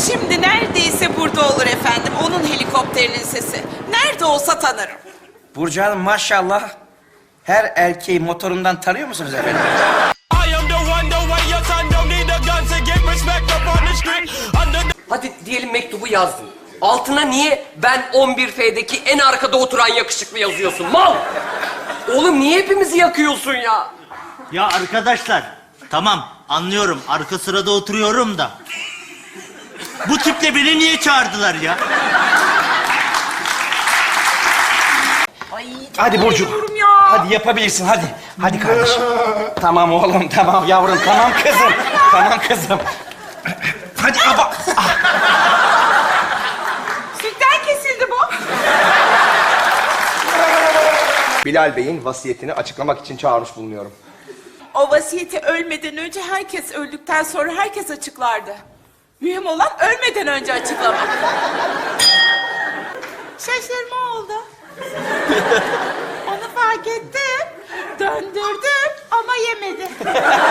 Şimdi neredeyse burada olur efendim. Onun helikopterinin sesi. Nerede olsa tanırım. Burcu Hanım maşallah. Her erkeği motorundan tanıyor musunuz efendim? Hadi diyelim mektubu yazdın. Altına niye ben 11F'deki en arkada oturan yakışıklı yazıyorsun? Mal! Oğlum niye hepimizi yakıyorsun ya? Ya arkadaşlar, tamam anlıyorum. Arka sırada oturuyorum da. Bu tiple beni niye çağırdılar ya? Hadi Burcu. Hadi yapabilirsin hadi. Hadi kardeşim. Tamam oğlum tamam yavrum tamam kızım. Tamam kızım. Hadi aba. Sütten kesildi bu. Bilal Bey'in vasiyetini açıklamak için çağırmış bulunuyorum. O vasiyeti ölmeden önce herkes öldükten sonra herkes açıklardı. Mühim olan ölmeden önce açıklamak. Şaşırma oldu. Onu fark ettim. Döndürdüm ama yemedi.